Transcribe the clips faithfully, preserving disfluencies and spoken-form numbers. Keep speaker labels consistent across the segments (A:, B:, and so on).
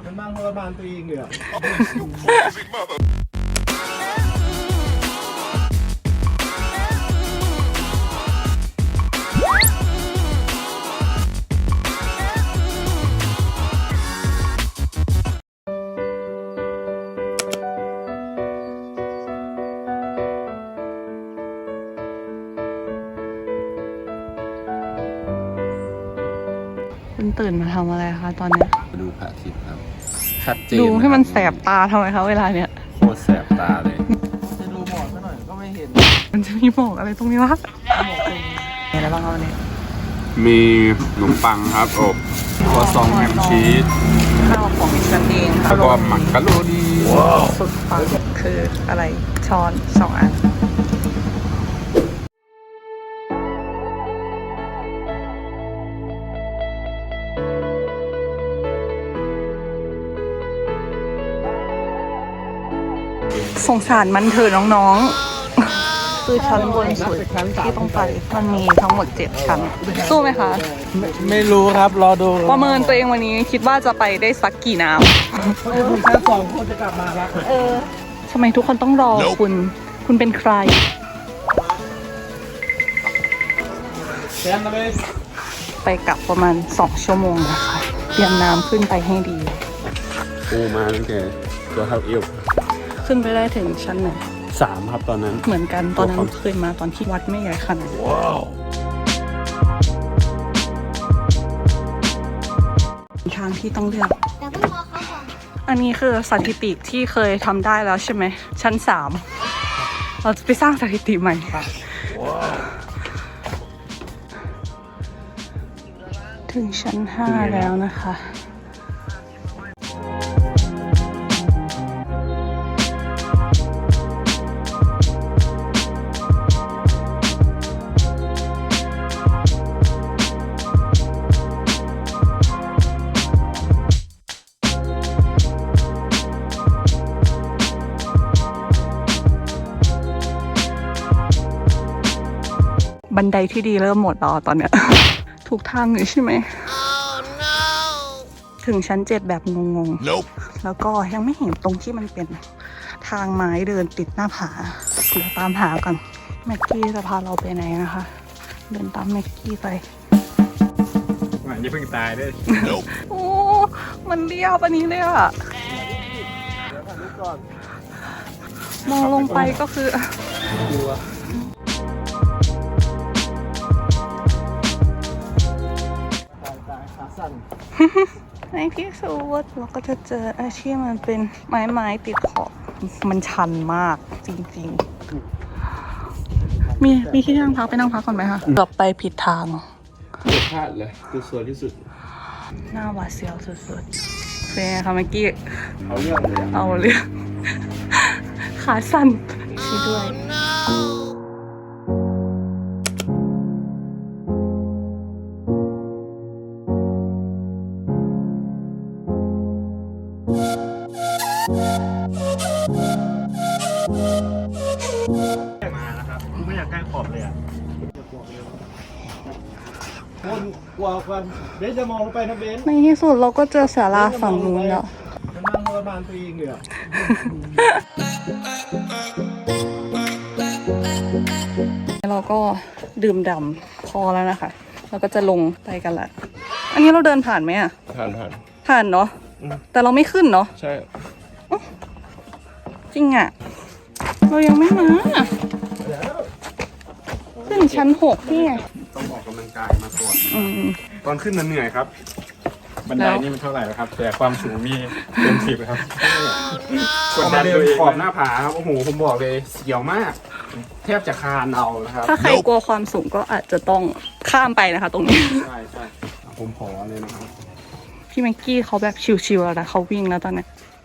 A: มันบ้างทรมานตัวเองเลยอ่ะ
B: คุณตื่นมาทำอะไรคะตอนเนี้ย
C: ดูพระอาทิตย์ครับชัดเจน
B: ดูให้มันแสบตาทำไมคะเวลาเนี้ย
C: โคตรแสบตาเลย
A: จะดูหมอกซะหน่อยก็ไม่เห็น
B: มันจะมีหมอกอะไรตรงนี้วะมีอะไรบ้างครับวันนี้
C: มีขนมปังครับอบครัวซองแฮมชีส
B: ข้าวของฉันเองค่ะ
C: แล้วก็หมักกะโรนี
B: สุดปังคืออะไรช้อนสองอันสงสารมันเถอะน้องๆ คือชั้นบนสุดที่ต้องไปมันมีทั้งหมดเจ็ดชั้นสู้ไหมคะ
A: ไม่ไม่รู้ครับรอดู
B: ประเมินตัวเองวันนี้คิดว่าจะไปได้สักกี่น้
A: เออถึงชั้นสองคนจะกลับมาแล้ว
B: ำเออทำไมทุกคนต้องรอคุณ คุณเป็นใคร
A: แซมมาเลย
B: ไปกลับประมาณสองชั่วโมงนะคะเตรียมน้ำขึ้นไปให้ดี
C: ปูมาตั้งแต่ตัวเท่าเอว
B: ขึ้นไปได้ถึงชั้นไหน
C: สามครับตอนนั้น
B: เหมือนกันตอนนั้นเคยมาตอนที่วัดไม่ใหญ่ขนาดนี้ทางที่ต้องเลือก
D: แต่ต้องรอเขาก่อน
B: อันนี้คือสถิติที่เคยทำได้แล้วใช่ไหมชั้นสามเราจะไปสร้างสถิติใหม่ถึงชั้นห้าแล้วนะคะบันไดที่ดีเริ่มหมดแล้วตอนเนี้ย ถูกทางอยู่ใช่ไหม oh, no. ถึงชั้นเจ็ดแบบงงๆ nope. แล้วก็ยังไม่เห็นตรงที่มันเป็นทางไม้เดินติดหน้าผาเดี๋ยวตามหากันแม็กกี้จะพาเราไปไหนนะคะ เดินตามแม็กกี้ไป
A: มันจะเพิ่งตายด้วย
C: nope.
B: โอ้ มันเรียบอันนี้เลยอะมองลงไปก็คือในที่สุดเราก็จะเจอไอ้ที่มันเป็นไม้ไม้ติดขอบมันชันมากจริงๆ มีมีที่นั่งพักไปนั่งพักก่อนไหมคะกลับไปผิดทาง
C: เดือดพลาดเลยคือสวยที่สุด
B: หน้าหวาดเสียวสุดๆเป็นไงคะเมื่อกี้
C: เอาเรื่องเลย
B: เอาเรื่องขาสั่นช่วยด้วย
A: มาแล้วครับไม่อยากใกล้ขอบเลยอ่ะคนกลัวควันเบนจะมองลงไปนะเบน
B: ในที่สุดเราก็เจอศาลาฝั่งนู้นแล้ว
A: มันบ้างทรมานตัวเองเลยอ่ะ
B: เราก็ดื่มด่ำพอแล้วนะคะเราก็จะลงไปกันละอันนี้เราเดินผ่านไหมอะ
C: ผ่านผ่าน
B: ผ่านเนาะแต่เราไม่ขึ้นเนาะ
C: ใช่
B: จริงอะเรายังไม่มาขึ้นชั้นหกนี่ไง
C: ต้องออกกำลังกายมาก่อน
B: อืม
C: ตอนขึ้นมันเหนื่อยครับ
A: บันไดนี่มันเท่าไหร่แล้วครับ แต่ความสูงมีเต็มสิบครับ
C: กดดันตัวเองขอบหน้าผาครับโอ้โหผมบอกเลยเสียวมาก แทบจะคานเอานะครับ
B: ถ้าใครกลัวความสูงก็อาจจะต้องข้ามไปนะคะ ตรงนี้
C: ใช่ใช่ผมขอเลยนะครับ
B: พี่แม็กกี้เขาแบบชิวๆแล้วนะเขาวิ่งแล้วตอนนี้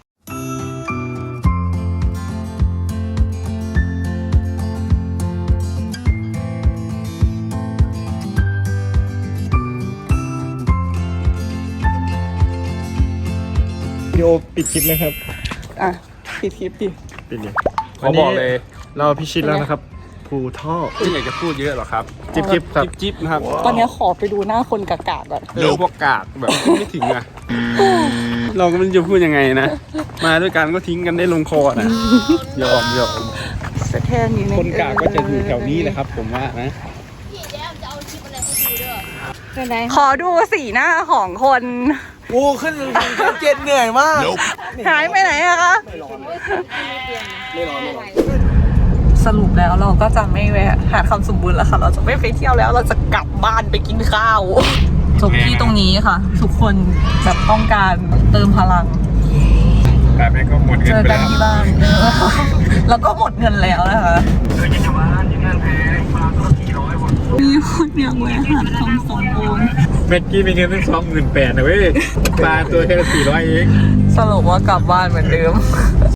A: วิดีโอปิดคลิปไหมครับ
B: อ่ะปิดคลิปดิ
A: ปิดเลย
C: ขอบอกเลย
A: เราพิชิตแล้วนะครับ ภูท่อ
C: ไม่อยากจะพูดเยอะหรอกครับ
A: จิ๊บจิ๊บครับ
C: จิ๊บจิ๊บนะครับ
B: ตอนนี้ขอไปดูหน้าคนกากาก่อน
C: เออพวกกากแบบไม่ถึงอะเราก็ไม่รู้จะพูดยังไงนะ มาด้วยกันก็ทิ้งกันได้ลงคอนะยอมยอม
B: สะแทนอยู่ใน
C: คนกลางก็จะอยู่แถวนี้แหละครับ ผมว่านะ
B: ขอดูสีหน้าของคน
D: โอ้ขึ้นชั้นเจ็ดเหนื่อยมาก
B: หายไปไหนอะคะสรุปแล้วเราก็จะไม่แวะหาดคำสมบูรณ์แล้วค่ะ เราจะไม่ไปเที่ยวแล้ว เราจะกลับบ้านไปกินข้าวจบที่ตรงนี้ค่ะ ทุกคนแบบต้องการเติมพลัง
A: แต่แม่ก็หมดเงิ
B: เจ
A: น
B: อ
A: ไป
B: กัน
A: แล้ว
B: ที่บ้านเออแล้วก็หมดเงินแล้วนะคะมีคนอยากแวะหาดคำสมบูรณ์
A: เมื่อกี้มีเงินตั้งสองหมื่นแปดนะเว้ยปลาตัวแค่สี่ร้อยเอง
B: สรุปว่ากลับบ้านเหมือนเดิม